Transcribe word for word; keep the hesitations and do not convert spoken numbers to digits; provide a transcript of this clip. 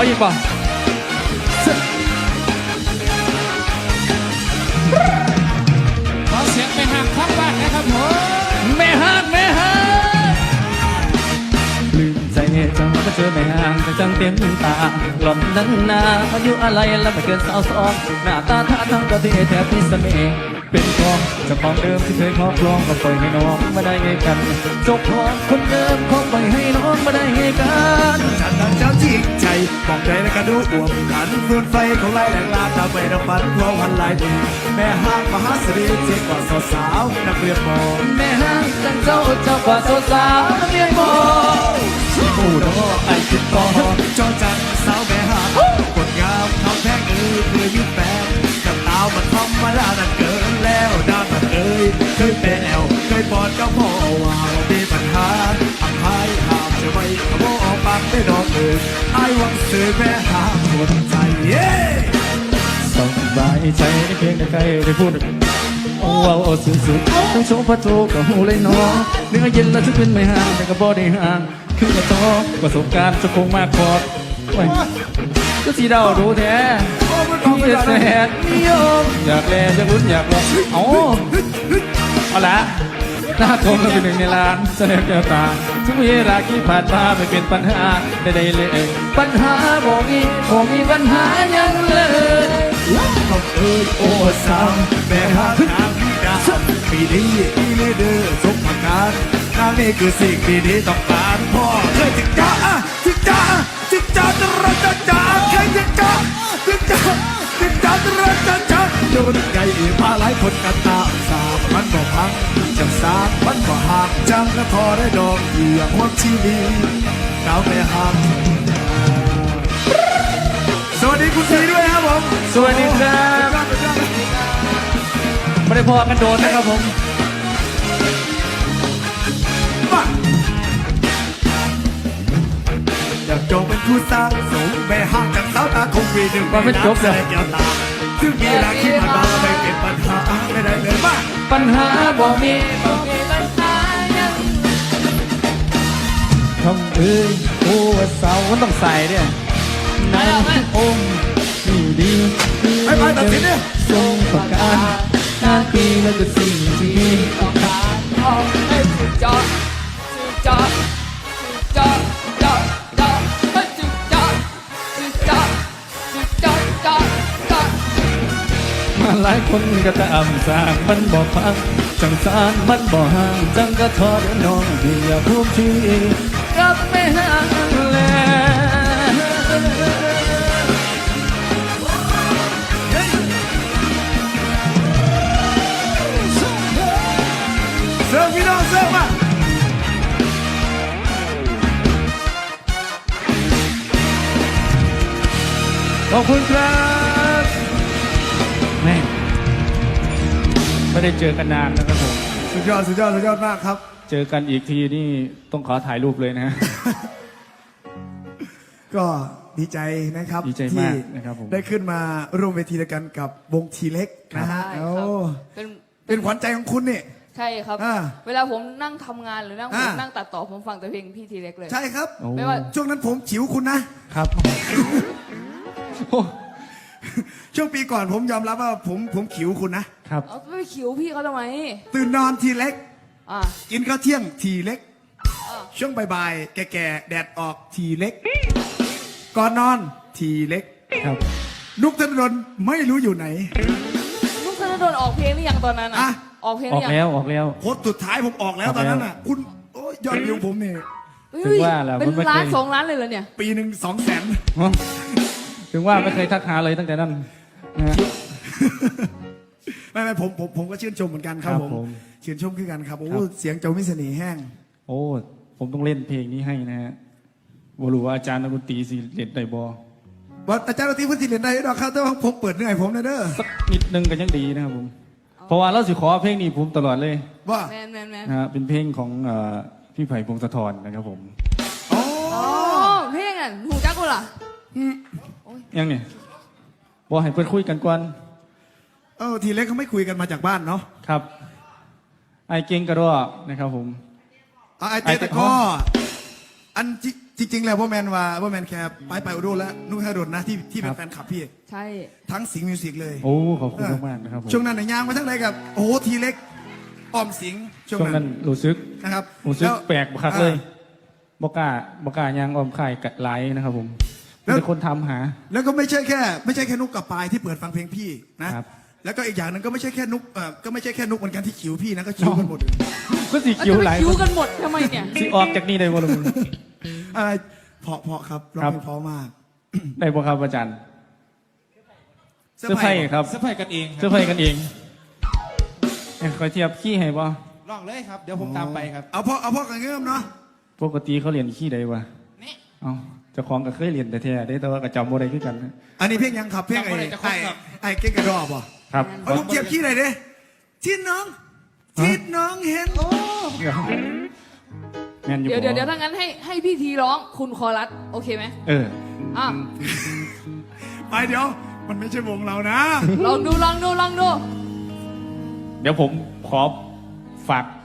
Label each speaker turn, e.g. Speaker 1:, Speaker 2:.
Speaker 1: เอาอีกป่ะ
Speaker 2: ขอเสียงไปหักข้างบ้านนะครับผม
Speaker 1: แม่ฮักแม่ฮักลืมใจจังก็เจอแม่ฮักจังเต็มตาหล่อนนั้นนาอายุอะไรแล้วไม่เกินสาวสองหน้าตาท่าทางก็ที่แทบพิเศษเป็นของเจ้าของเดิมที่เคยครอบครองก็ปล่อยให้น้องมาได้ไงกันเจ้าของคนเดิมเขาปล่อยให้น้องมาได้ไงกัน
Speaker 3: ฉันนั้นเจ้าจริงใจมองใจและกระดูกอ่วมกันเฟื่อนไฟของไล่แหลงลาตาไปดับฝันเพราะวันลายดีแม่ห้างมหาสรีเจ๊กว่าสาวสาวนักเรียนมอง
Speaker 1: แม่ฮักจังเจ้าเจ้ากว่าสาวนักเรียนมองผู้ดอไอคิดต่อ
Speaker 3: จอจันสาวแม่ห้างกดงามทำแพงเออเพื่อยึดแฟนกับตาวมันทำมาแล้วนั่นเกินแล้วด้านมันเอ้ยเคยเป็นแอวเคยปอดก็พ่อว่ามีปัญหาอับหายห้ามจะไม่ขโมยออกปากได้ดอกเอ่ยไอ้วังซื้อแม่ห้างหมดใจเย้
Speaker 1: สบายใจได้เพียงแต่ใครได้พูดโอ้เอาเอาสุดๆต้องโชว์พระโจกับหูเลยน้องเนื้อเย็นแล้วจะเป็นไม่ห่างแต่ก็บ่ได้ห่างคือกระโตประสบการณ์จะคงมากพอดก็สีดาวดูแท้พี่แสนนิยมอยากแลอยากลุ้นอยากลองเอาเอาละหน้าคมก็เป็นหนึ่งในล้านแสดงแก้วตาทุกเวลาที่ผ่านมาไม่เป็นปัญหาใดๆเลยปัญหาบ่มีบ่มีปัญหายังเลย
Speaker 3: ต้องเอ้ยโอ้สามแม่ห้างนางดาปีนี้อีเลเดอร์สมประการนางนี่คือสิ่งที่ดีต้องการพ่อเคยจิกจ้าจิกจ้าจิกจ้าตระจ้าจ้าเคยจิกจ้าจิกจ้าจิกจ้าตระจ้าจ้าโยนใหญ่มาหลายคนกันตาสามมันบอกพังจังสามมันบอกหักจังก็พอได้ดอกเหยื่อความชีวิตดาวแม่ห้างสวัสดีคุณซีด้วยครับผม
Speaker 1: สวัสดีครับไม่ได้พอกันโดนนะครับผม
Speaker 3: อยากจงเป็นคู่สร้างสมแม่ห้างจากสาวตาคงวีหนึ่ง
Speaker 1: ว่าเป็นจบเลย
Speaker 3: แก้วตาซึ่งมีหลักที่ผ่านมาไม่เป็นปัญหาไม่ได้เลยมาก
Speaker 1: ปัญหาบ่มีบ่มีปัญหายังทำเอ้ยโอ้สาวมันต้องใส่เนี่ยนางองค์ดีดี
Speaker 3: ไปไปตัดสินเนี่ย
Speaker 1: ทรงประการหน้าปีแล้วก็สิ่งที่
Speaker 2: ต้องการออกให้สุดจอดสุดจอดสุดจอดจอดจอดให้สุดจอดสุดจอดสุดจอดจอดจอด
Speaker 1: มาหลายคนก็ตามสร้างมันบอกพังจังสารมันบอกห่างจังก็ทอดน้องเดียพูดทีกับไม่ห่างแล้ว
Speaker 3: เสิร์ฟพี่น้องเสิร์ฟมา
Speaker 1: ขอบคุณครับแม่ไม่ได้เจอกันนานนะครับผม
Speaker 3: สุดยอดสุดยอดสุดยอดมากครับ
Speaker 1: เจอกันอีกทีนี่ต้องขอถ่ายรูปเลยนะ
Speaker 3: ก็ดีใจนะครับ
Speaker 1: ดีใจมากนะครับผม
Speaker 3: ได้ขึ้นมาร่วมเวทีด้วยกันกับวงทีเล็กนะฮะโอ้
Speaker 2: เป็น
Speaker 3: เป็นขวัญใจของคุณนี่
Speaker 2: ใช่ครับเวลาผมนั่งทำงานหรือนั่งผมนั่งตัดต่อผมฟังแต่เพลงพี่ทีเล็กเลย
Speaker 3: ใช่ครับ
Speaker 2: ไม่ว่า
Speaker 3: ช่วงนั้นผมฉิวคุณนะครับช่วงปีก่อนผมยอมรับว่าผมผมขิวคุณนะครับ
Speaker 2: ไม่ขิวพี่เขาทำไม
Speaker 3: ตื่นนอนทีเล็กกินข้าวเที่ยงทีเล็กช่วงบ่ายๆแก่ๆแดดออกทีเล็กก่อนนอนทีเล็ก
Speaker 1: ครับ
Speaker 3: นุกธนดลไม่รู้อยู่ไหน
Speaker 2: นุกธนดลออกเพลงหรือยังตอนนั้นอ่ะออกเพลงหรือยัง
Speaker 1: ออกแล้วออกแล้ว
Speaker 3: โคตรสุดท้ายผมออกแล้วตอนนั้นอ่ะคุณยอดวิวผมนี่
Speaker 1: ถึงว่าแล้ว
Speaker 2: เป็นล้านสองล้านเลยเหรอเนี่ย
Speaker 3: ปีหนึ่งสองแสน
Speaker 1: ถึงว่าไม่เคยทักหาเลยตั้งแต่นั้น
Speaker 3: ไม่ไม่ผมผมผมก็ชื่นชมเหมือนกันครับผมชื่นชมขึ้นกันครับโอ้เสียงเจ้ามิสนีแห้ง
Speaker 1: โอ้ผมต้องเล่นเพลงนี้ให้นะฮะบรู้ว่าอาจารย์นักดนตรีสิเล่นได้บ่
Speaker 3: ว่าอาจารย์นักดนตรีพูดสิเล่นได้หรอกครับแต่ว่าผมเปิดเหนื่อยผมนะเด้อ
Speaker 1: สักนิดนึงก็ยังดีนะครับผมเพราะว่าเราสิขอเพลงนี้ผมตลอดเลย
Speaker 3: ว่า
Speaker 2: แมนแมนแมน
Speaker 1: นะเป็นเพลงของพี่ไผ่พงศธรนะครับผม
Speaker 3: อ๋อ
Speaker 2: เพลงอ่ะหูจักกูล่ะ
Speaker 1: ยังเนี่ยบอกให้เพื่อนคุยกันก่อน
Speaker 3: เออทีเล็กเขาไม่คุยกันมาจากบ้านเนาะ
Speaker 1: ครับไอเก่งกระโดดนะครับผม
Speaker 3: ไอเตะตะก้ออันจิจริงๆแล้วพ่อแมนว่าพ่อแมนแคร์ไปไปอุดรแล้วนุ้ยฮาดนนะที่ที่เป็นแฟนคลับพี่
Speaker 2: ใช่
Speaker 3: ทั้งสิงห์มิวสิกเลย
Speaker 1: โอ้ขอบคุณมากๆนะครับผม
Speaker 3: ช่วงนั้นในยยางมาทั้งไรกับโอ้โหทีเล็กออมสิงห์ช่วง
Speaker 1: ช่วง
Speaker 3: นั้
Speaker 1: นั้น นรู้สึก
Speaker 3: นะครับ
Speaker 1: รู้สึก
Speaker 3: ล้ว
Speaker 1: แปลกคักเลย
Speaker 3: อ่า
Speaker 1: บกล้าบกล้ายางออมไข่กัดไลท์นะครับผม
Speaker 3: แล้ว
Speaker 1: เป็นคนทำหา
Speaker 3: แล้วก็ไม่ใช่แค่ ไม่ใช่แค่นุกกับปายที่เปิดฟังเพลงพี่นะครับ แล้วก็อีกอย่างหนึงก็ไม่ใช่แค่นุกเอ่อก็ไม่ใช่แค่นุกเหมือนกันที่คิวพี่นะก็คิวกันหมดเลย
Speaker 1: ก็สี
Speaker 2: แล้ว
Speaker 1: คิ้ว
Speaker 2: จะ
Speaker 1: ไหล
Speaker 2: ไปคิ้วกันหมดทำไมเนี่ย
Speaker 1: สีออกจากนี่ได้บ่ลุง
Speaker 3: อะไรเพราะเพราะครับร้อง
Speaker 1: ครับ
Speaker 3: เพลงเพราะมาก
Speaker 1: ได้บ่ครับอาจารย์เสื้อไผ่ครับ
Speaker 4: เสื้อผ้ากันเองค
Speaker 1: เสื้
Speaker 4: รั
Speaker 1: อบ ไผ่กันเองให้ขอเทียบขี้ให้บ่
Speaker 4: ลองเลยครับ เดี๋ยวผมตามไปครับ
Speaker 3: เอาพ่อเอาพ่อกันเงื่อมเนาะ
Speaker 1: ปกติเขาเรียนขี้ใดวะ
Speaker 4: นี่
Speaker 1: เอ้าเจ้าของก็เคยเรียนแต่แท้ได้แต่ว่าก็จำบ่ได้คือกันนะ
Speaker 3: อันนี้เพลงยังครับเพลงไอ้
Speaker 4: จำบ่ได้จะครบ
Speaker 3: ไอ้
Speaker 4: ครับ
Speaker 3: ไอ้เก่งกระดอบอ่ะ
Speaker 1: ครับ
Speaker 3: เอาลูกเทียบขี้หน่อยดิที่น้องที่น้องเห็น
Speaker 1: เดี๋ยวแม่นอยู่
Speaker 2: เดี๋ยว
Speaker 1: บ่
Speaker 2: เดี๋ยวเดี๋ยวถ้างั้นให้ให้พี่ทีร้องคุณคอรัสโอเคไหม
Speaker 1: เออ
Speaker 2: อ่ะ
Speaker 3: ไปเดี๋ยว มันไม่ใช่วงเรานะ
Speaker 2: ลองดูลองดูลองดู
Speaker 1: เดี๋ยวผมขอฝาก